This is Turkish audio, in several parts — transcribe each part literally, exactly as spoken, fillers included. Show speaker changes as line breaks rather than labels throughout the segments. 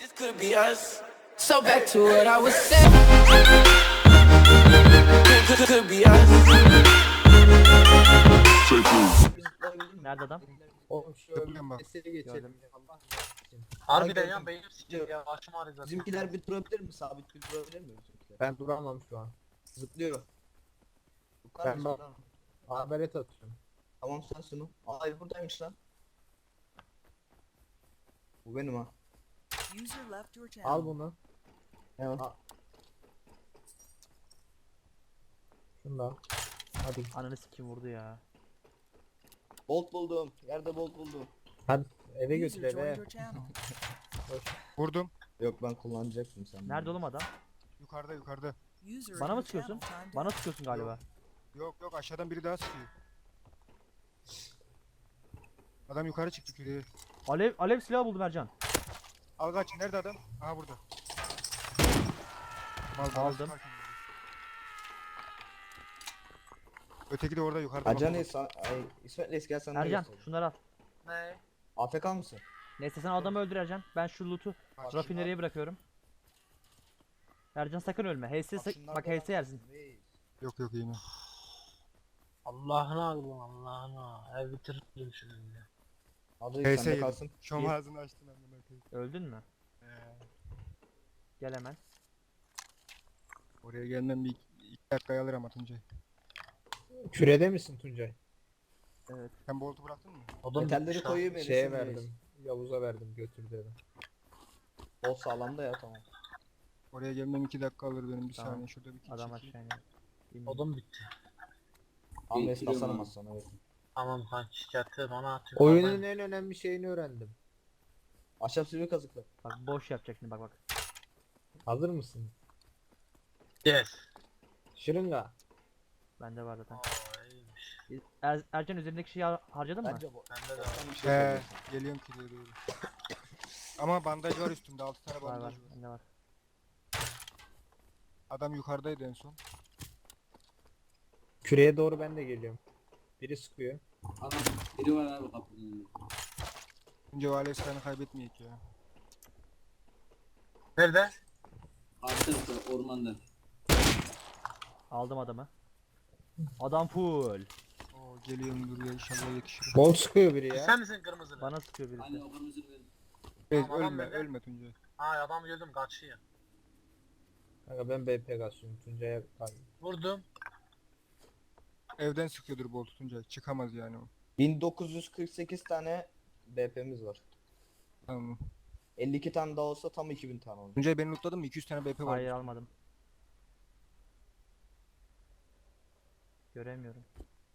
This could be us. So back to what I was saying. Could, could be us.
Nerede adam?
Oğlum şu
Yapıyorum bak.
mesele geçelim.
Gördüm.
ya, Allah için.
Harbiden
Ay,
ya
gördüm.
beynim sikiyor ya başım ağrıyor zaten.
Bizimkiler bir durabilir mi? Sabit bir durabilir mi bizimkiler?
Ben duramam şu an.
Zıplıyor. Yukarı
Ben
mısın
bak-
lan?
Haberlet atıyorum.
Tamam sen şunu. Ay buradaymış lan. Bu benim ha.
User left your channel.
Al bunu.
Evet.
Al. Şunu da al. Hadi.
Ananı sikim vurdu ya.
Bolt buldum. Yerde bolt buldum.
Hadi eve götür
User joined
eve.
your channel.
Vurdum.
Yok ben kullanacaktım sen.
Nerede oğlum adam?
Yukarıda yukarıda.
User
Bana
in
mı
your
sıkıyorsun?
channel timed
Bana
out.
sıkıyorsun galiba.
Yok yok aşağıdan biri daha sıkıyor. Adam yukarı çıktı küreye.
Alev alev silahı buldum Ercan.
Al kaç. Nerede adam? Aha burada. Mal bana
Aldım.
sıkarken vurdu. Öteki de orada yukarıda.
Acan
bak.
İsa, ay İsmet Reis gel sen de
Ercan
göster.
şunları al.
Ne?
A F K mısın?
Neyse sen adamı öldür Ercan. Ben şu loot'u
Bak,
rafineriye bırakıyorum. Ercan sakın ölme. H S sak- bak H S yersin.
Yok yok yine.
Allah'ına alın Allah'ına. Ev bitiririm şimdi.
Adı
H S
sende
yedim.
kalsın.
Şom ağzını açtın amına koyayım.
Öldün mü?
Ee,
Gel hemen.
Oraya gelmem bir iki, iki dakikayı alır ama Tuncay.
Kürede misin Tuncay?
Evet.
Sen boltu bıraktın mı?
Odun
Metalleri
bitmiş lan.
koyuyor beni.
Şeye verdim. Yavuz'a verdim götürdü eve.
Bolt sağlamda ya tamam.
Oraya gelmem iki dakika alır benim bir
Tamam.
saniye şurada bir kill
Adam
çekeyim.
aşağı iniyor. İndim.
Odun bitti.
Tamam Reis basalım sonra evet.
Tamam kanki şikayeti bana atıyor.
Oyunun en önemli şeyini öğrendim.
Ahşap sivri kazıklı.
Bak boş yapacak şimdi bak bak.
Hazır mısın?
Yes.
Şırınga.
Bende var zaten.
Aa iyiymiş.
Er, Ercan üzerindeki şeyi har- harcadın mı?
Bence bu.
Bende de var.
Sen bir şey
He,
söylüyorsun.
geliyorum kiliye doğru. Ama bandaj var üstümde, altı tane
Var var.
bandaj var.
Bende var.
Adam yukarıdaydı en son.
Küreye doğru ben de geliyorum. Biri sıkıyor.
Adam biri var abi kapının önünde.
Önce o alev silahını kaybetmeyek ya.
Nerede?
Arkası ormanda.
Aldım adamı. Adam full.
Oo geliyorum dur ya inşallah yetişirim.
Bol sıkıyor biri ya.
Sen misin kırmızılı?
Bana sıkıyor birisi.
Hani o kırmızı bir
Evet,
Tamam, adam
ölme
nerede?
ölme Tuncay.
Ha adam gördüm kaçıyor.
Kanka ben B P kasıyorum. Tuncay'a kay.
Vurdum.
Evden sıkıyordur boltu Tuncay. Çıkamaz yani o.
bin dokuz yüz kırk sekiz tane B P'miz var.
Tamam.
elli iki tane daha olsa tam iki bin tane olur.
Tuncay beni lootladın mı? iki yüz tane B P var.
Hayır almadım. Göremiyorum.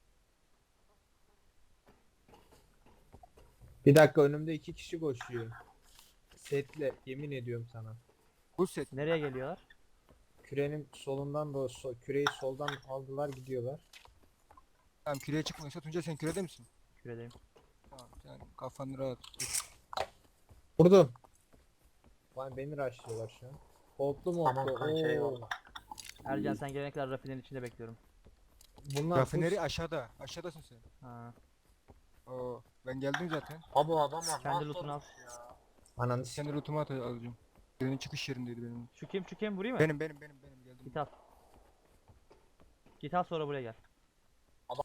Bir dakika önümde iki kişi koşuyor. Setle yemin ediyorum sana.
Bu set.
Nereye geliyorlar?
Kürenin solundan da so küreyi soldan aldılar gidiyorlar.
Tamam küreye çıkmıyorsa Tuncay sen kürede misin?
Küredeyim.
Tamam sen kafanı rahat tut.
Vurdum. Vay beni rushlıyorlar şu an. Oldu mu
Tamam
oldu?
kanki
Oo.
eyvallah.
Ercan sen gelene kadar rafinerin içinde bekliyorum.
Bunlar
Rafineri
full-
aşağıda. Aşağıdasın sen.
Ha.
Oo ben geldim zaten.
Abi o adamlar
Kendi
nasıl
lootunu al.
olmuş ya.
Ananı s-
Kendi lootumu at alacağım. Birinin çıkış yerindeydi benim.
Şu kim şu kim vurayım mı?
Benim benim benim benim geldim.
Git al. Git al sonra buraya gel.
Adam-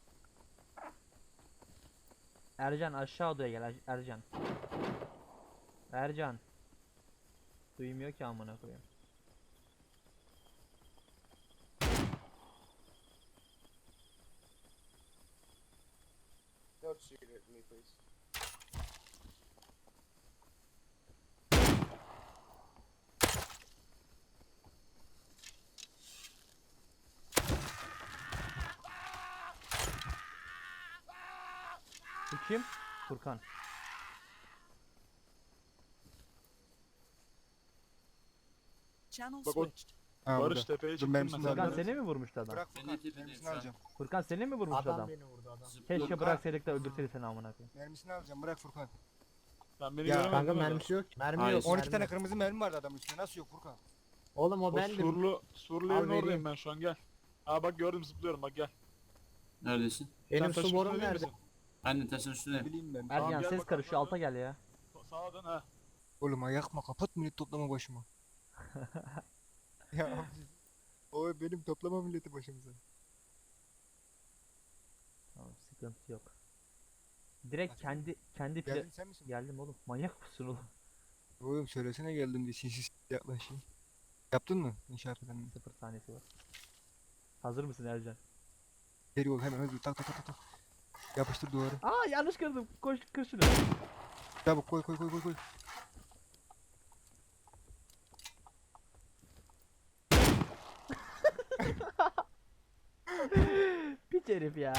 Ercan aşağı odaya gel Er- Ercan. Ercan. Duymuyor ki amına koyayım. Bu kim? Furkan.
Channel
Bak o-
switched.
Ha,
Barış
burada.
tepeye
Dur,
çıktım
mermisini
ben.
Furkan
alacağım.
seni mi vurmuştu adam?
Bırak
Beni
Furkan.
tepede
Mermisini
sağ.
alacağım.
Furkan seni mi vurmuştu
adam
adam?
beni vurdu adam.
Keşke
Zıplıyor.
bıraksaydık da öldürseydi seni amına koyayım.
Mermisini alacağım. Bırak Furkan.
Sen beni
Ya,
göremedin
Kanka
değil mi?
mermisi yok. Mermi
Hayır,
yok.
on iki
mermi
tane
yok.
kırmızı mermi vardı adamın üstünde. Nasıl yok Furkan?
Oğlum o
O
bendim.
surlu, surlu
Al
evin
vereyim.
oradayım ben şu an gel. Aa bak gördüm zıplıyorum bak gel.
Neredesin?
Benim
Sen taşın
su borum
üstünde değil
nerede?
misin?
Anne taşın üstüne.
Ne bileyim ben.
Ercan
gel
ses
bakalım
karışıyor
abi.
alta gel ya.
Sa- Sağa dön ha.
Oğlum ayakma kapat millet toplama başıma. Ya abi. O benim toplama milleti başımıza.
Tamam, sıkıntı yok. Direkt
Hadi.
kendi kendi pla-
Geldin sen misin?
Geldim oğlum. Manyak mısın oğlum?
Oğlum söylesene geldim diye sinsiz yaklaşayım. Yaptın mı inşaat planını?
Sıfır saniyesi var. Hazır mısın Ercan?
Geri ol hemen hızlı tak tak tak tak. Yapıştır duvarı.
Aa yanlış kırdım. Koş kır şunu.
Çabuk koy koy koy koy koy.
Piç herif ya.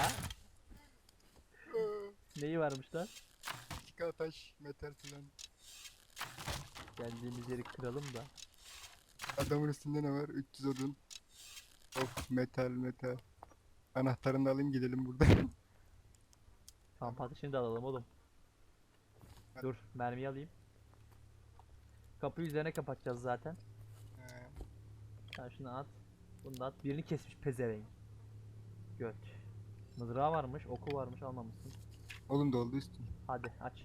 Neyi varmış lan?
Tika taş metal falan.
Geldiğimiz yeri kıralım da.
Adamın üstünde ne var? üç yüz odun. Of metal metal. Anahtarını da alayım gidelim buradan.
Kamp ateşini de alalım oğlum. Dur mermiyi alayım. Kapıyı üzerine kapatacağız zaten.
He.
Sen şunu at. Bunu da at. Birini kesmiş pezevenk. Göt. Mızrağı varmış, oku varmış, almamışsın.
Oğlum doldu üstün.
Hadi aç.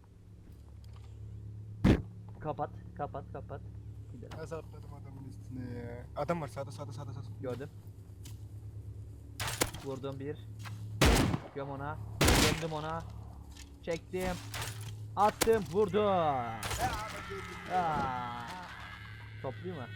Kapat, kapat, kapat. Gidelim.
Nasıl atladım adamın üstüne ya? Adam var sağda sağda sağda sağda.
Gördüm. Vurdum bir. Göm ona. Gömdüm ona. Çektim. Attım, vurdum. Aa. Topluyor mu?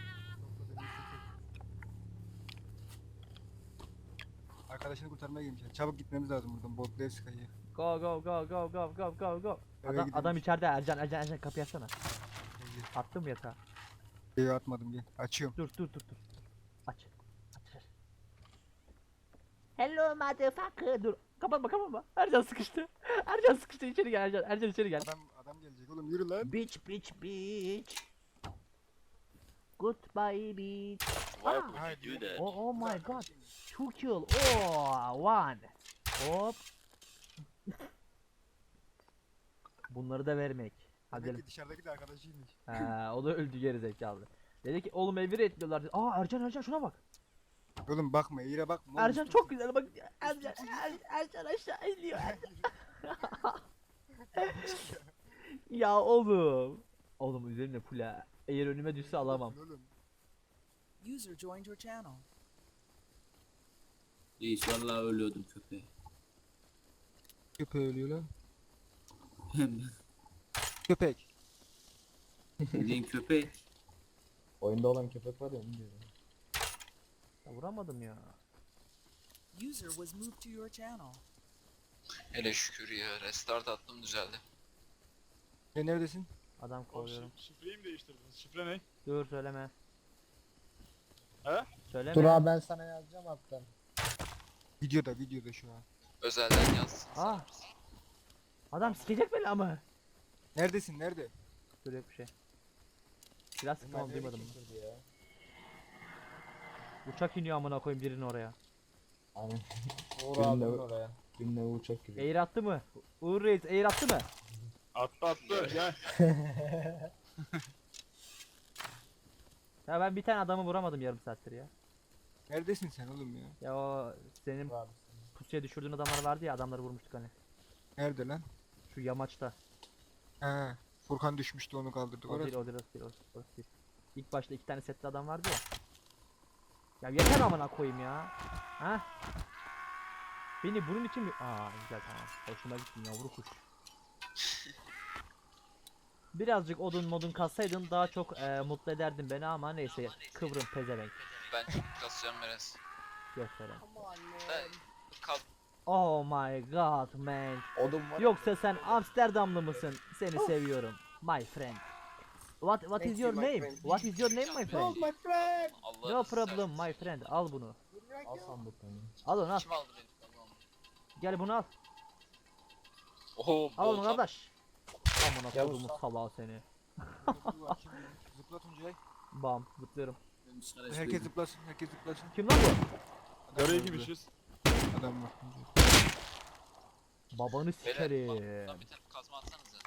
Arkadaşını kurtarmaya gelmişler. Çabuk gitmemiz lazım buradan. Botlu ev sıkayı.
Go go go go go go go go.
Eve
Adam,
gidelim.
adam içeride Ercan Ercan Ercan kapıyı açsana. Attım mı yatağa?
Evi atmadım gel. Açıyorum.
Dur dur dur dur. Aç. Aç. Hello motherfucker. Dur. Kapatma kapatma. Ercan sıkıştı. Ercan sıkıştı içeri gel Ercan. Ercan içeri gel.
Adam adam gelecek oğlum yürü lan.
Bitch bitch bitch. Goodbye bitch.
Why
Ah.
would you do that?
Oh, oh my god. Two kill. Oh one. Hop. Bunları da vermek. Hadi
Demek
gelin.
ki dışarıdaki de arkadaşıymış.
Ha, o da öldü geri zekalı. Dedi ki oğlum eviri etmiyorlar dedi. Aa Ercan Ercan şuna bak.
Oğlum bakma eğire bakma. oğlum,
Ercan
üstün-
çok güzel bak. Ercan Er- Ercan aşağı iniyor. Ya oğlum. Oğlum üzerine full ha. Eğer önüme düşse alamam.
Oğlum.
User joined your channel.
Reis vallahi ölüyordum köpeğe.
Köpeği ölüyor lan.
Hem
Köpek.
bildiğin köpek.
Oyunda olan köpek var ya onu diyorum.
Ya vuramadım ya.
User was moved to your channel.
Hele şükür ya. Restart attım düzeldi.
Ya neredesin?
Adam
O
kovuyorum.
şif- şifreyi mi değiştirdiniz? Şifre ne?
Dur söyleme.
He?
Söyleme.
Dur abi ben sana yazacağım hatta.
Videoda videoda şu an.
Özelden yazsın.
Ah. Adam sikecek beni ama.
Neredesin nerede?
Dur yok bir şey. Biraz sıktım ama
Nereye
duymadım.
bitirdi ya?
Uçak iniyor amına koyayım birinin oraya.
Aynen. Uğur
Benimle-
abinin oraya.
Benimle uçak giriyor.
Air attı mı? Uğur Reis air attı mı?
Attı attı gel.
Ya ben bir tane adamı vuramadım yarım saattir ya.
Neredesin sen oğlum ya?
Ya o senin
Uğur abi.
pusuya düşürdüğün adamlar vardı ya adamları vurmuştuk hani.
Nerede lan?
Şu yamaçta.
He. Furkan düşmüştü onu kaldırdık.
O değil
Orası.
o değil orası değil orası, orası değil. İlk başta iki tane setli adam vardı ya. Ya yeter amına koyayım ya. Ha? Beni bunun için mi? Aa güzel tamam. Hoşuma gittin yavru kuş. Birazcık odun modun kassaydın daha çok e, mutlu ederdin beni ama neyse kıvrım pezevenk.
Ben çok kasacağım biraz.
Gösteren.
Ben kal
Oh my god man.
Odun var.
Yoksa sen Amsterdamlı mısın? Seni seviyorum. My friend. What what is your name? What is your name my friend?
my friend.
Allah'ını
No problem
seversen.
my friend. Al bunu.
Al sandıklarını.
Al onu al.
Kim aldı benim? Allah'ım.
Gel bunu al.
Oho
Al onu
bolta.
kardeş. Amına
Yavuz,
kodumun
al.
salağı seni.
Zıpla Tuncay.
Bam zıplıyorum.
Ben dışarı
Herkes
çıkıyorum.
zıplasın. Herkes zıplasın.
Kim lan bu?
Adam
Nereye
var
gitmişiz?
burada. Adam var. Tuncay.
Babanı
Beyler
sikerim.
bak buradan bir tane kazma atsanıza.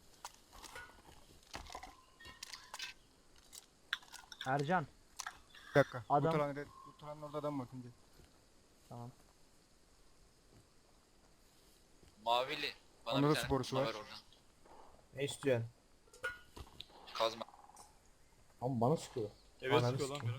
Ercan.
Bir dakika.
Adam-
Bu talan, bu talanın orada adam var Tuncay.
Tamam.
Mavili. Bana
Onda
bir
da
tane
sporusu
kazma
var.
ver oradan.
Ne istiyorsun? Ama bana sıkıyor.
Evet
Ananı
sıkıyor lan
sikeyim.
biri.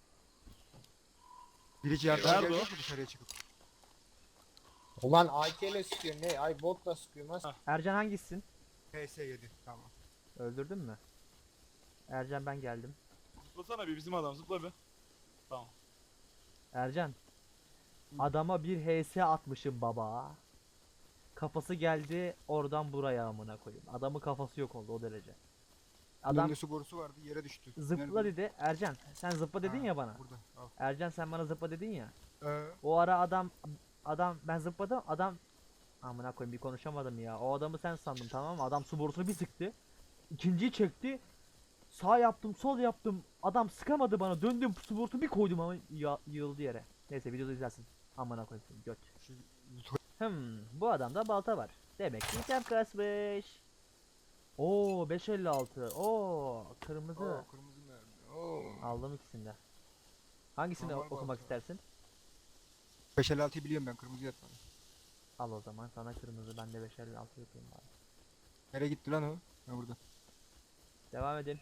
Birici yardıma
Nerede
gelecek
o?
mi dışarıya çıkıp?
Ulan A K ile sıkıyor ne? Ay botla sıkıyor nasıl?
Ercan hangisisin?
P S yedi tamam.
Öldürdün mü? Ercan ben geldim.
Zıplasana bir bizim adam zıpla bir. Tamam.
Ercan. Adama bir H S atmışım baba. Kafası geldi oradan buraya amına koyayım. Adamın kafası yok oldu o derece. Adam
Adam su borusu vardı yere düştü.
zıpla
Nerede?
dedi. Ercan sen zıpla dedin
Ha,
ya bana.
Burada al.
Ercan sen bana zıpla dedin ya.
Ee,
O ara adam adam ben zıpladım adam amına koyayım bir konuşamadım ya. O adamı sen sandım tamam mı? Adam su borusunu bir sıktı. İkinciyi çekti. Sağ yaptım, sol yaptım. Adam sıkamadı bana. Döndüm su borusunu bir koydum ama ya, yığıldı yere. Neyse videoda izlersin. Amına koyayım seni, göt.
şu
Hmm, bu adamda balta var. Demek ki item kasmış. Oo beş elli altı. Oo kırmızı.
Oo, kırmızı mermi. Oo.
Aldım ikisini de. Hangisini
Normal
okumak
balta.
istersin?
beş elli altıyı biliyorum ben kırmızı yatmadım.
Al o zaman sana kırmızı ben de beş elli altı yapayım bari.
Nereye gitti lan o? Ha burada.
Devam edin.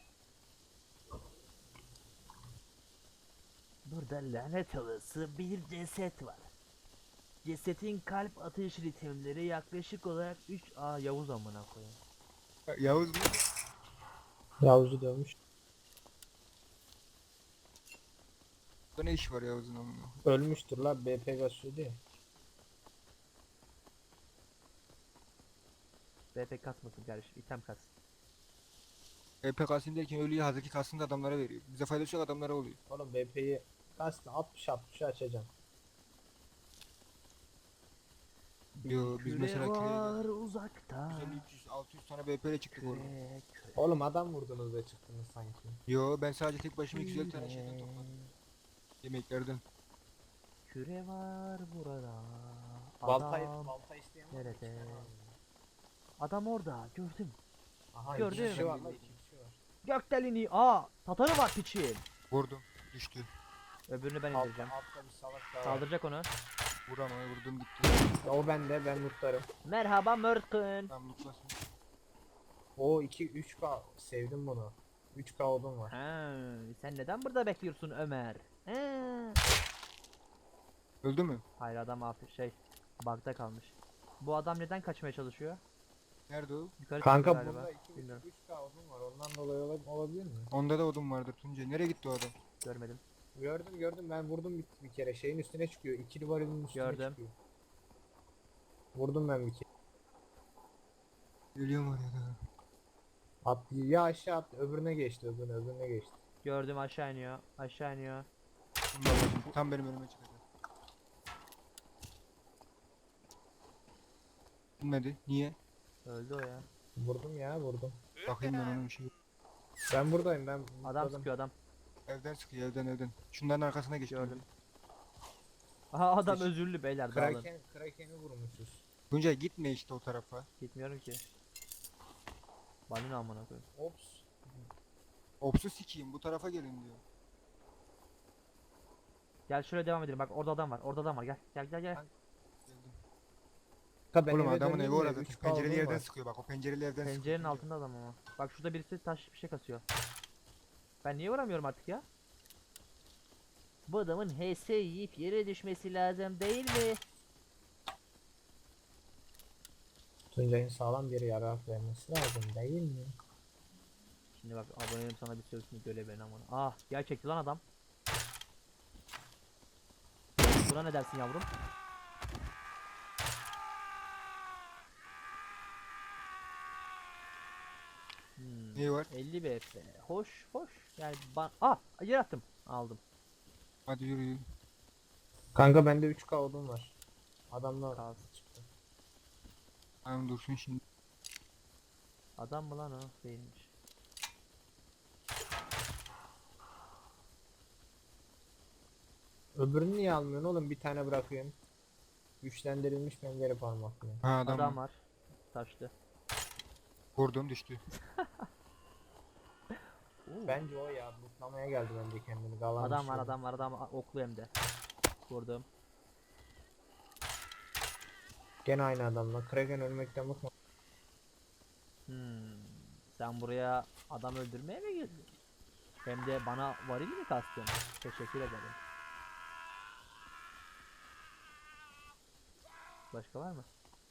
Burada lanet olası bir ceset var. Cesetin kalp atış ritimleri yaklaşık olarak üç A Yavuz amına koyayım.
Ha, Yavuz mu?
Yavuz'u dövmüş.
Burada ne iş var Yavuz'un amına?
Ölmüştür la B P gasıyordu ya.
B P kasmasın kardeşim, item kas.
E P K'sın derken ölüyü hazırki kalsın da adamlara veriyor. Bize faydası yok adamlara oluyor.
Oğlum B P'yi kastı altmış altmışı açacağım.
Yo biz
Küre
mesela
var
köyde
uzakta.
yüz elli üç yüz altı yüz tane B P ile çıktık orada.
Küre, küre.
Oğlum adam vurdunuz da çıktınız sanki.
Yo ben sadece tek başıma iki yüz elli tane şeyden
Küre.
topladım. Yemeklerden.
Küre var burada.
Baltayı
Adam
balta isteyen var mı?
nerede?
İki tane var.
Adam orada gördüm.
Aha
Gördüm.
iki kişi var la iki kişi var.
Gökdelini aa tatarı var piçin.
Vurdum. Düştü.
Öbürünü ben
Altta,
indireceğim.
altta bir salak daha var.
Saldıracak onu.
Vuramaya vurdum gitti.
Ya o bende ben mutlarım.
Merhaba Mörkün.
Tam mutlasın.
O iki üç K sevdim bunu. üç K odun var.
Ha, sen neden burada bekliyorsun Ömer? Ha.
Öldü mü?
Hayır adam abi şey bug'da kalmış. Bu adam neden kaçmaya çalışıyor?
Nerede o?
Yukarı
Kanka
çıktı galiba.
bunda iki
Bilmiyorum.
üç K odun var. Ondan dolayı ola- olabilir mi?
Onda da odun vardır Tuncay. Nereye gitti o adam?
Görmedim.
Gördüm gördüm ben vurdum bir, bir kere. Şeyin üstüne çıkıyor. İkili varilin üstüne
Gördüm.
çıkıyor. Vurdum ben bir kere.
Ölüyorum oraya da.
At ya aşağı at. Öbürüne geçti öbürüne öbürüne geçti.
Gördüm aşağı iniyor. Aşağı iniyor.
Vallahi tam benim önüme çıkacak. Bilmedi. Niye?
Öldü o ya.
Vurdum ya vurdum.
Bakayım ben onun bir şey.
Ben buradayım ben.
Adam
mutladım.
sıkıyor adam.
Evden sıkıyor evden evden. Şunların arkasına geç.
Gördüm. Aha adam
Hiç-
özürlü beyler dağılın.
Kraken, Kraken'i vurmuşuz.
Tuncay gitme işte o tarafa.
Gitmiyorum ki. Balina amına koyayım.
Ops.
Opsu sikeyim bu tarafa gelin diyor.
Gel şöyle devam edelim. Bak orada adam var. Orada adam var. Gel. Gel gel gel.
Geldim.
Ha, ben
Oğlum
eve
adamın
döndüm
evi
de
orada.
üç K
Pencereli
odun
yerden
var.
sıkıyor bak o pencereli evden sıkıyor.
Pencerenin
Tuncay.
altında adam ama. Bak şurada birisi taş bir şey kasıyor. Ben niye vuramıyorum artık ya? Bu adamın H S yiyip yere düşmesi lazım değil mi?
Tuncay'ın sağlam bir yara vermesi lazım değil mi?
Şimdi bak abonem sana bir sözünü göle ben amına. Ah gerçekti lan adam. Buna ne dersin yavrum? Hmm.
Neyi var?
elli B P. Hoş hoş. Yani ban... Ah! Yer attım. Aldım.
Hadi yürü yürü.
Kanka bende üç K odun var. Adamla
Kalsın.
çıktı.
Tamam dursun şimdi.
Adam mı lan o? Değilmiş.
Öbürünü niye almıyorsun oğlum? Bir tane bırakıyorsun. Güçlendirilmiş pencere parmaklı.
Ha adam,
Adam
var.
var. Taşlı.
Vurdum düştü.
Oo.
Bence o ya. Mutlamaya geldi bence kendini. Galan
Adam var adam var adam var. Oklu hem de. Vurdum.
Gene aynı adamla. Kraken ölmekten bıkma.
Hmm. Sen buraya adam öldürmeye mi geldin? Hem de bana varil mi kastın? Teşekkür ederim. Başka var mı?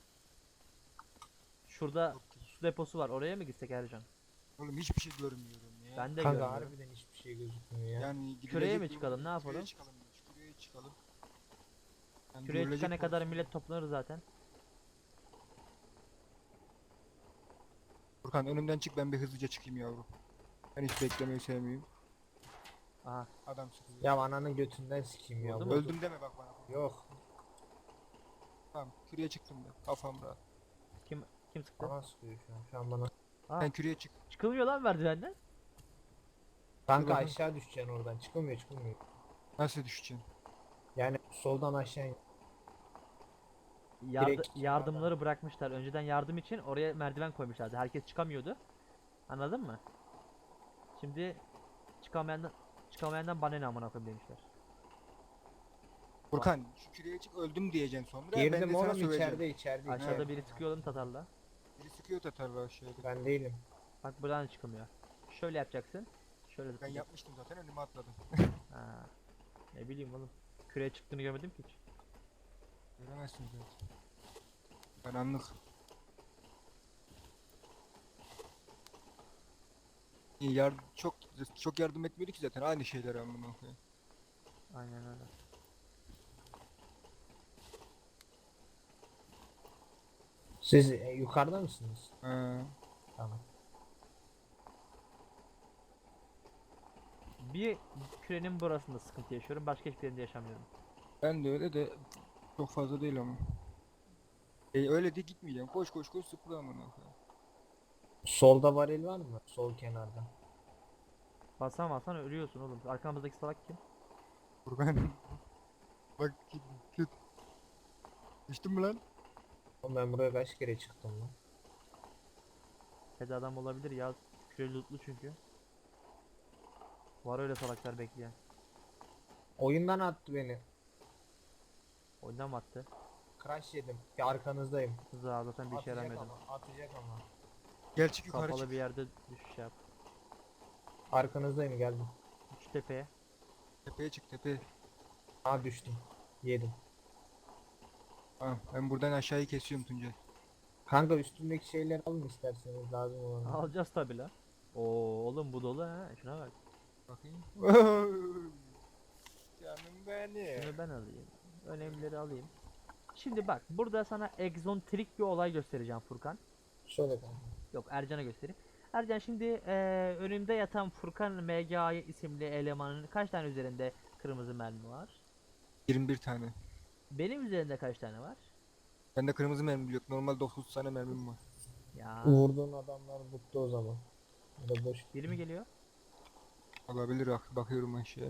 Şurada su deposu var. Oraya mı gitsek Ercan?
Oğlum hiçbir şey görmüyorum ya.
Ben de
Kanka
görmüyorum.
harbiden hiçbir şey gözükmüyor ya.
Yani gidilecek
Küreye mi
yol-
çıkalım, ne
Küreye
yapalım?
çıkalım. Küreye çıkalım. Yani
Küreye
görülecek
çıkana kadar
pozisyon-
millet toplanır zaten.
Furkan önümden çık, ben bir hızlıca çıkayım yavrum. Ben hiç beklemeyi sevmiyorum.
Aha.
Adam sıkıyor.
Ya ananın götünden sikeyim ya.
Oldu
bu-
mu?
Öldüm deme bak bana.
Yok.
Tamam, küreye çıktım ben. Kafam rahat.
Kim kim sıktı?
Bana sıkıyor şu an. Şu an bana.
Aa,
Sen küreye çık.
çıkılmıyor lan merdivenden.
Kanka
bakayım.
aşağı düşeceksin oradan. Çıkılmıyor çıkılmıyor.
Nasıl düşeceksin?
Yani soldan aşağı in.
Yardı-
Direkt
yardımları bırakmışlar. Önceden yardım için oraya merdiven koymuşlardı. Herkes çıkamıyordu. Anladın mı? Şimdi çıkamayandan çıkamayandan bana ne amına koyayım demişler.
Furkan şu küreye çık, öldüm diyeceksin sonra. ben
Girdim
de sana
oğlum
söyleyeceğim.
içeride içeride.
Aşağıda
içeride.
biri sıkıyor oğlum tatarla.
Biri sıkıyor tatarla aşağıda.
Ben değilim.
Bak buradan da çıkılmıyor. Şöyle yapacaksın. Şöyle
Ben
zıplayacaksın.
yapmıştım zaten, önüme atladım.
Ha. Ne bileyim oğlum. Küreye çıktığını görmedim ki hiç.
Göremezsin zaten. Ben anlık. İyi, yar çok çok yardım etmiyordu ki zaten, aynı şeyleri anlamına koyayım.
Aynen öyle.
Siz e, yukarıda mısınız?
Ha.
Tamam.
Bir kürenin burasında sıkıntı yaşıyorum. Başka hiçbir yerinde yaşamıyorum.
Ben de öyle de çok fazla değil ama. E, öyle de gitmeyeceğim. Koş koş koş, sıfır amına koyayım.
Solda varil var mı? Sol kenarda.
Basan basan ölüyorsun oğlum. Arkamızdaki salak kim?
Furkan. Bak git git. Düştün mü lan?
Oğlum ben buraya kaç kere çıktım lan?
Hadi adam olabilir ya. Küre lootlu çünkü. Var öyle salaklar bekleyen.
Oyundan attı beni.
Oyundan mı attı?
Crash yedim. Ya arkanızdayım.
Hızlı zaten bir işe
Atacak
yaramıyordu.
ama. Atacak ama.
Gel çık yukarı
Kapalı
çık.
bir yerde düşüş yap.
Arkanızdayım geldim.
Üç tepeye.
Tepeye çık tepeye.
Aa düştüm. Yedim.
Tamam, ben buradan aşağıyı kesiyorum Tuncay.
Kanka üstündeki şeyleri alın isterseniz lazım olan.
Alacağız tabi la. Oo oğlum bu dolu ha. Şuna bak.
Bakayım. Canım benim.
Şunu ben alayım. Önemlileri alayım. Şimdi bak burada sana egzontrik bir olay göstereceğim Furkan.
Şöyle kanka.
Yok Ercan'a göstereyim. Ercan şimdi eee önümde yatan Furkan M G A isimli elemanın kaç tane üzerinde kırmızı mermi var?
yirmi bir tane.
Benim üzerinde kaç tane var?
Bende kırmızı mermi yok. Normal dokuz tane mermim var.
Ya
Vurduğun adamlar buttu o zaman. Ya da boş.
biri mi geliyor?
Olabilir, bak bakıyorum aşağıya.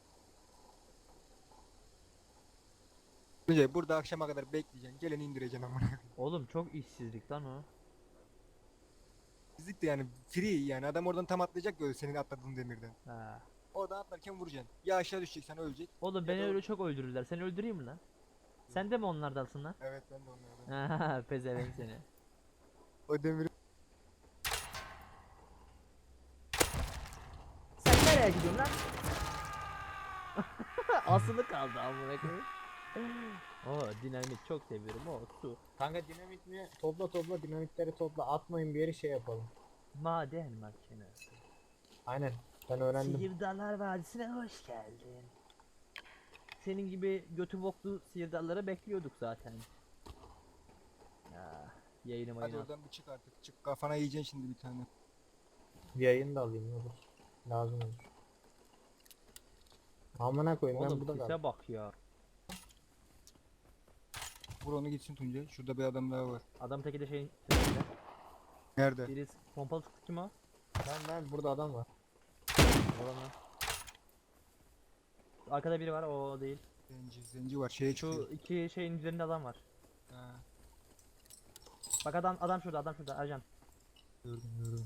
Tuncay burada akşama kadar bekleyeceksin. Geleni indireceksin amına koyayım.
Oğlum çok işsizlik lan o.
Fizik de yani free, yani adam oradan tam atlayacak böyle senin atladığın demirden.
Ha.
Oradan atlarken vuracaksın. Ya aşağı düşeceksen ölecek.
Oğlum
Ya
beni
da-
öyle çok öldürürler. Seni öldüreyim mi lan? Sen de mi onlardansın lan?
Evet, ben de onlardan.
Ha, pezevenk seni.
O demiri
Sen nereye gidiyorsun lan? Asılı kaldı amına koyayım. Oo dinamit çok seviyorum. O su.
Kanka dinamit mi? Topla topla dinamitleri topla. Atmayın bir yeri şey yapalım.
Maden makinesi.
Aynen. Ben öğrendim.
Sihirdallar Vadisi'ne hoş geldin. Senin gibi götü boklu sihirdalları bekliyorduk zaten. Ya yayınıma
hadi
inat.
oradan bir çık artık. Çık, kafana yiyeceksin şimdi bir tane.
Bir yayın da alayım ne olur. Lazım olur. Amına koyayım ben
Oğlum
burada
sise
kaldım.
bak ya.
Vur onu gitsin Tuncay. Şurada bir adam daha var.
Adam teki de şeyin sesinde.
Nerede?
Birisi pompalı sıktı kim o?
Ben ben burada adam var.
Oğlum lan. Arkada biri var o değil.
Zenci, zenci var. Şeye
Şu
çıkıyor.
iki şeyin üzerinde adam var.
Ha,
Bak adam adam şurada adam şurada Ercan.
gördüm gördüm.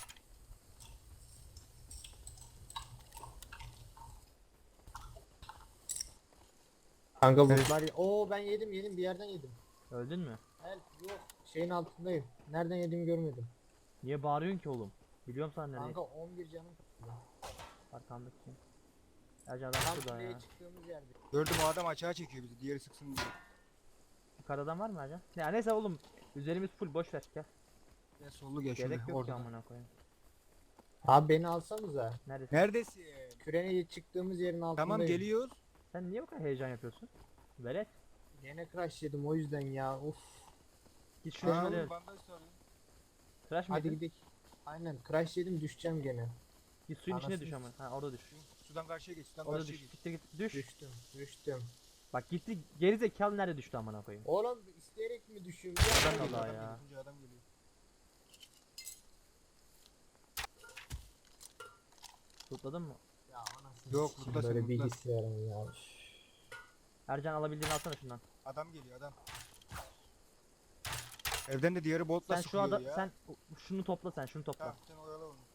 Kanka
Evet.
bunlar Oo ben yedim yedim bir yerden yedim.
Öldün mü?
Help yok. Şeyin altındayım. Nereden yediğimi görmedim.
Niye bağırıyorsun ki oğlum? Biliyorum sen nereye.
Kanka on bir canım. kaldı.
Arkandaki kim? Ercan adam
Tam
şurada
kuleye
ya.
çıktığımız yerde.
Gördüm o adam açığa çekiyor bizi. Diğeri sıksın diye.
Yukarıda adam var mı Ercan? Ya neyse oğlum. Üzerimiz full boş ver gel.
Gel sollu gel şöyle.
Gerek yok ki
Orada.
amına koyayım.
Abi beni alsanıza.
Neredesin?
Neredesin?
Kürene çıktığımız yerin altındayım.
Tamam geliyor.
Sen niye bu kadar heyecan yapıyorsun? Velet.
Gene crash yedim o yüzden ya. Uf.
Git şuraya
Aa,
şöyle.
bandaj sarıyor.
Tıraş mı
Hadi
yedin?
gidelim. Aynen crash yedim düşeceğim gene.
Git suyun içine düş
Anasını
ama. Ha orada düş.
Şu Sudan karşıya geç. Sudan
Orada
karşıya
düş.
geç.
Git git düş.
Düştüm. Düştüm.
Bak gitti geri zekalı nerede düştü amına koyayım.
Oğlum isteyerek mi düşüyorum?
Ben
Ya,
Allah
Adam
ya.
geliyor, Tuncay adam geliyor.
Tutladın mı?
ya anasını
Yok,
sikeyim,
burada
böyle
sen, burada.
bilgisayarım ya. Üf.
Ercan alabildiğini alsana şundan.
Adam geliyor adam. Evden de diğeri boltla
Sen şu
sıkıyor
adam
ya.
sen şunu topla sen şunu topla.
Tamam sen oyala onu.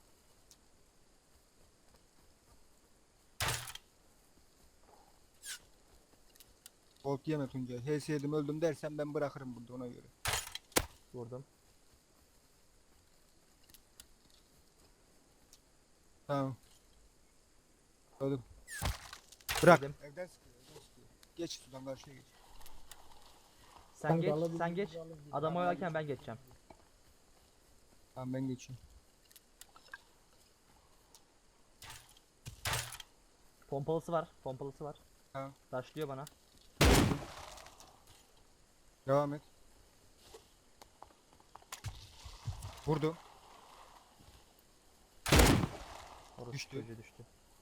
Bolt yeme Tuncay. H S yedim öldüm dersen ben bırakırım burada ona göre.
Vurdum.
Tamam. Öldüm. Bırak.
Yedim.
Evden sıkıyor, evden sıkıyor. Geç sudan karşıya geç.
Sen
Kanka
geç
alabildiğinizi
sen geç.
alın, bir
Adam
daha
oyalarken ben
alın.
geçeceğim.
Tamam ben geçeyim.
Pompalısı var. Pompalısı var.
Tamam.
Rushlıyor bana.
Devam et. Vurdum.
Orası
Düştü.
çocuğu düştü.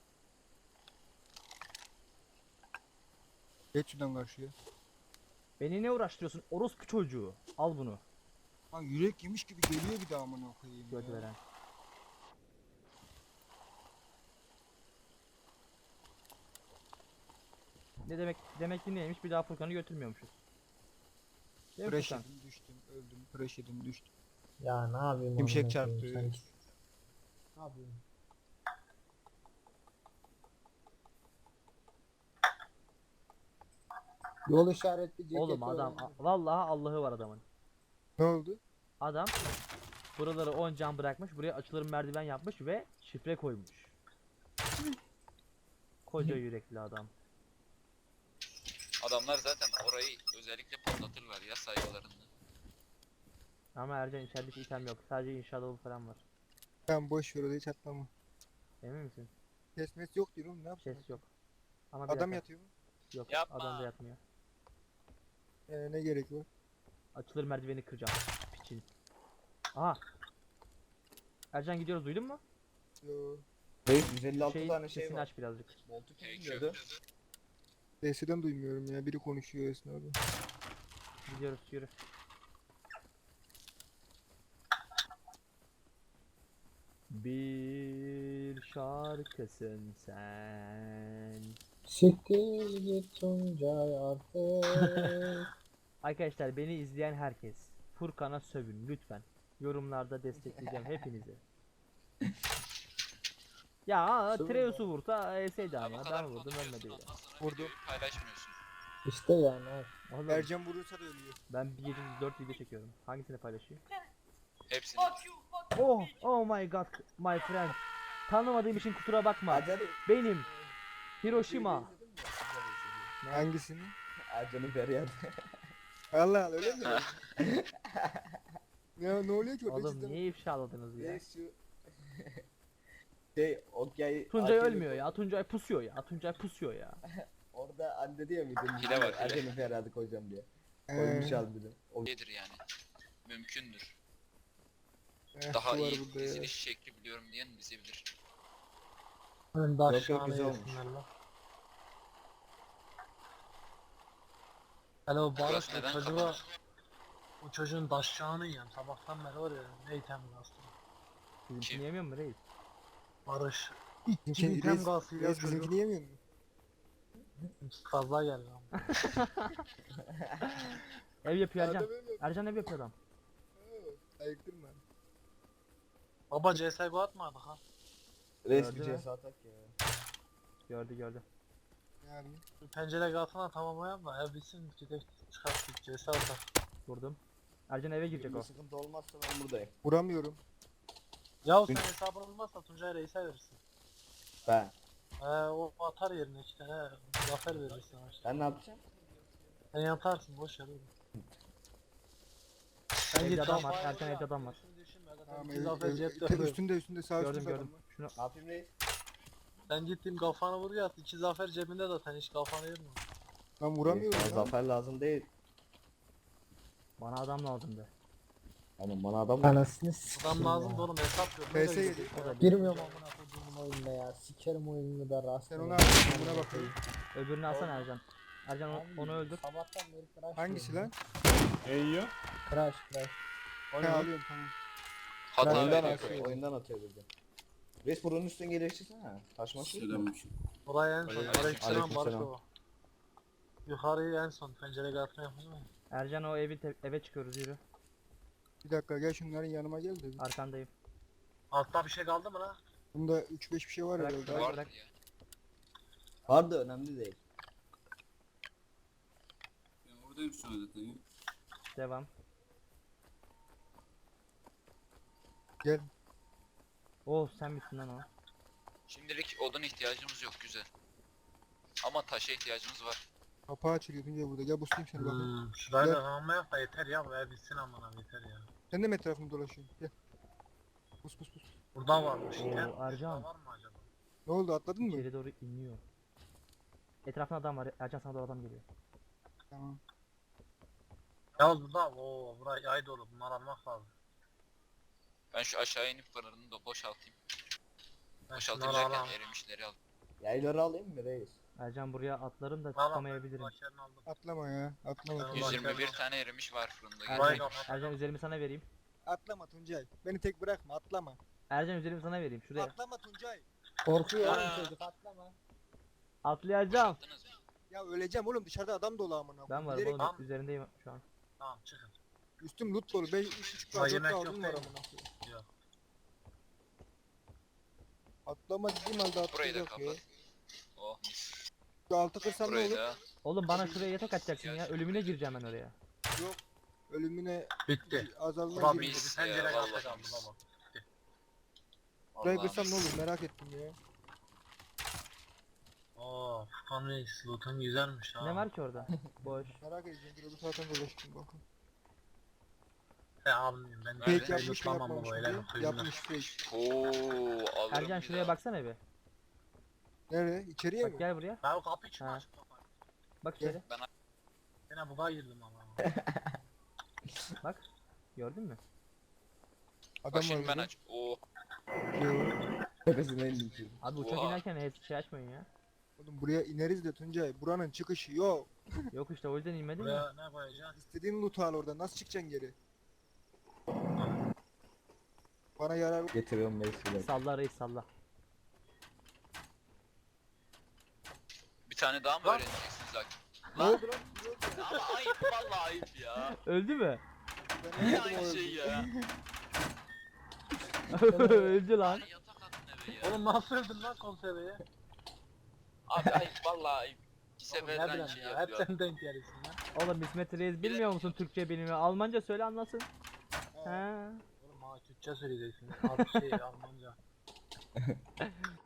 Geç sudan karşıya.
Beni ne uğraştırıyorsun? Orospu çocuğu. Al bunu.
Lan yürek yemiş gibi geliyor bir daha amına koyayım
Göt
ya.
veren. Ne demek demek ki neymiş? Bir daha Furkan'ı götürmüyormuşuz. Değil mi
Crash
Furkan?
yedim düştüm öldüm. Crash yedim düştüm.
Ya ne yapayım?
Şimşek
amına koyayım,
çarptı.
sanki. Ne yapayım? Yol işaretli ceket
Oğlum adam
öğrendim.
vallahi Allah'ı var adamın.
Ne oldu?
Adam buraları on cam bırakmış. Buraya açılır merdiven yapmış ve şifre koymuş. Koca yürekli adam.
Adamlar zaten orayı özellikle patlatırlar ya saygılarında.
Ama Ercan içeride hiç item yok. Sadece inşa dolu falan var.
Tamam boş ver orayı çatlama.
Emin misin?
Kesmesi yok diyorum ne yapayım?
Ses yok. Ama bir
Adam
dakika.
yatıyor mu?
Yok.
Yapma.
Adam da yatmıyor.
Ee, ne gerek var?
Açılır merdiveni kıracağım. Piçin. Aha. Ercan gidiyoruz duydun mu?
Yo.
Reis yüz elli altı
Şeyin
tane şey
sesini
var.
aç birazcık.
Boltu kim
Hey,
biliyordu?
Sesiden duymuyorum ya biri konuşuyor esnada.
Gidiyoruz yürü. Bir şarkısın sen.
Siktir git Tuncay artık.
Arkadaşlar beni izleyen herkes Furkan'a sövün lütfen. Yorumlarda destekleyeceğim hepinizi. Ya
Sövün
Treus'u vursa eseydi
Ya
ama
bu
ben
kadar
vurdum
konuşuyorsun
ölmedi ya.
ondan sonra
Vurdu.
videoyu paylaşmıyorsun.
İşte yani. evet.
Oğlum,
Ercan vurursa da ölüyor.
ben bir gece dört video çekiyorum. Hangisini paylaşayım?
Hepsini.
Oh, oh my god, my friend. Tanımadığım için kusura bakma.
Ercan'ı
Benim Hiroshima. Ne?
Hangisini?
Ercan'ın feryadı.
Allah Allah öyle mi? Ya ne oluyor ki orada
Oğlum
cidden?
niye ifşaladınız ya?
Reis şu şey Okyay
Tuncay
Ercan'ı-
ölmüyor ya. Tuncay pusuyor ya. Tuncay pusuyor ya.
Orada anne diyor muydu?
Hile var, hile.
Ercan'ın feryadı koyacağım diye.
Ee,
Koymuş harbiden. O
Nedir yani? Mümkündür.
eh,
Daha
su var
iyi
burada ya.
diziliş şekli biliyorum diyen bizi bilir.
Ben
yok,
de aşağıya
güzel olmuş.
yesinler lan. Alo
Burası
Barış bu
neden
çocuğa,
kapalı?
bu çocuğun daşçağını yiyen sabahtan beri var ya ne item gazı.
Bizimkini
Kim?
yemiyor mu reis?
Barış.
Bizimki-
İki item
Reis-
gazıyla
Reis
çocuk
bizimkini yemiyor mu?
fazla geldi ama.
Ev yapıyor Ercan.
Adam öyle yapıyor.
Ercan ev yapıyor adam.
Oo, ayıktırma.
Baba C S G O atmadık ha.
Reis
Gördü
bir
mü?
cesa atak ya.
Gördü gördü.
Ne yapayım?
Bir pencere gazına tamamlayalım da ev bitsin gidip çıkarttık C S atak.
Vurdum. Ercan eve girecek
Bir
o.
sıkıntı olmazsa ben buradayım.
Vuramıyorum.
Ya sen hesabın olmazsa Tuncay Reis'e verirsin.
Ben.
Ee, o atar yerine iki tane zafer verir sana işte.
Ben ne yapacağım?
Sen yaparsın boş ver oğlum. Sen
Evde
git
adam var,
kafaya
Ercan
vur
evde
ya,
adam var.
düşün, düşünme, zaten
Tamam,
iki
ev,
zafer
ev,
cepte
te-
duruyor.
üstünde üstünde sağ
Gördüm
üstünde
gördüm.
adam var.
Şunu
Ne yapayım reis?
Sen gittin kafanı vur ya, iki zafer cebinde zaten hiç kafanı yorma.
Ben
Reis,
vuramıyorum
bana
lan.
zafer lazım değil.
bana adam lazımdı.
Ama bana adam
Anasını
Adam
sikeyim
lazım
ya.
da oğlum hesap yok.
P S
Nereye
yedi.
gidiyor ya?
Girmiyorum amına koyduğumun oyununa ya. Sikerim oyununu da rast.
Sen ona bak, buna bakayım.
Öbürünü alsana Ercan. Ercan o- onu öldür.
Sabahtan beri crash
Hangisi
yiyorum
lan?
Ne yiyor?
ya. Crash crash.
Ben alıyorum tamam.
Hata
oyundan
veriyor.
atıyor, oyundan atıyor dedi. Reis buranın üstüne geliştirsene. Taşması yok mu?
Selamünaleyküm.
Oraya en son.
Aleyküm
Aleykümselam Barış
selam.
baba. Yukarıyı en son pencereye atma yapayım mı?
Ercan o evi te- eve çıkıyoruz yürü.
Bir dakika gel şunların yanıma gel de.
Arkandayım.
Altta bir şey kaldı mı lan?
Bunda üç beş bir şey var
Bırak,
herhalde.
bırak.
Vardır ya.
Var da önemli değil.
Ben oradayım şu an zaten ya.
Devam.
Gel.
Oh sen misin lan o?
Şimdilik odun ihtiyacımız yok güzel. Ama taşa ihtiyacımız var.
Kapağı açılıyor Tuncay burada. Gel buslayayım seni bakayım.
Hmm, şurayı
Gel.
da tamamla yap da yeter ya, bu ev bitsin amına yeter ya.
Sen de mi etrafında dolaşıyorsun? Gel. Bus bus bus.
Burada varmış
Oo,
ya.
Ercan.
Burada var mı acaba?
Ne oldu atladın mı?
İçeri doğru iniyor. Etrafında adam var. Ercan sana doğru adam geliyor.
Tamam.
Ya burada ooo burayı yay dolu, bunları almak lazım.
Ben şu aşağı inip fırını da boşaltayım.
Ben
Boşaltayım
şunları
derken
alayım.
erimişleri al.
Yayları alayım mı reis?
Ercan buraya atlarım da
Al, al,
çıkamayabilirim.
başlarını aldım.
Atlama ya. Atlama.
Ben
Tuncay.
ulan-
yüz yirmi bir tane erimiş var fırında.
Ercan,
Burayı kapat.
Ercan üzerimi sana vereyim.
Atlama Tuncay. Beni tek bırakma atlama.
Ercan üzerimi sana vereyim şuraya.
Atlama Tuncay.
Korkuyor
Aa.
oğlum çocuk atlama.
Atlayacağım.
Boşalttınız mı?
Ya öleceğim oğlum dışarıda adam dolu amına.
Ben
koyayım.
varım
Bilerek-
oğlum
Tamam.
üzerindeyim şu an.
Tamam çıkın.
Üstüm loot dolu. beş üç buçuk
Ulan
dört
yemek
altın
yok
var
değil mi?
amına koyayım.
Yok.
Atlama dediğim halde
Burayı da
atlayacak ya.
kapat. Oh mis.
Şu altı kırsam ne
Burayı
olur?
da.
Oğlum bana şuraya yatak atacaksın ya. Ölümüne gireceğim ben oraya.
Yok. Ölümüne
Bitti.
azalma
Ulan
gibi.
mis.
bitti. Pencere
ya,
kaldı
vallahi
kaldı
mis.
baba.
Burayı
Vallahi
kırsam ne
mis.
olur merak ettim ya.
Oo Furkan Reis loot'un güzelmiş ha.
Ne var ki orada? Boş.
Merak edeceğim. Bir zaten dolaştım bakın.
He almayayım ben.
Nerede?
Fake
Ben
yapmış mı
lootlamam
yapmamış
bu
mı
öyle
diye.
kıyımlar.
Yapmış fake.
Oo alırım
Ercan
bir
şuraya
daha.
baksana bir.
Nereye? İçeriye
Bak
mi?
gel buraya.
Ya o kapıyı kim
Ha.
açtı kapıyı?
Bak
Gel.
içeri.
Yine buga girdim ama.
Bak. Gördün mü?
Adam
Bak
var
şimdi ben
burada.
aç. Oo.
Yo.
Tepesine indim şimdi.
Abi uçak
Oha.
inerken hiç şey açmayın ya.
Oğlum buraya ineriz de Tuncay. Buranın çıkışı yok.
Yok işte o yüzden inmedim ya.
Buraya ne koyacaksın?
İstediğin loot'u al orada. Nasıl çıkacaksın geri? Bana yarar
Getiriyorum reis.
Salla reis salla.
Bir tane daha mı
Lan.
öğreneceksiniz Hakim?
Ne
Lan.
oldu lan? Ne oldu?
Ama ayıp vallahi ayıp ya.
Öldü mü?
Ben
Niye
anladım o
aynı
öldü.
şey ya?
Öldü lan.
Lan yatak attın eve ya.
Oğlum nasıl öldün lan konserveye?
Abi ayıp vallahi ayıp. İki
Oğlum ne
seferden
bileyim
şey
ya, hep
yapıyor.
sen denk gelirsin lan.
Oğlum İsmet Reis bilmiyor musun Türkçe bilimi? Almanca söyle anlasın.
Ha.
Ha.
Oğlum bana Türkçe söyleyeceksin. Az şey Almanca.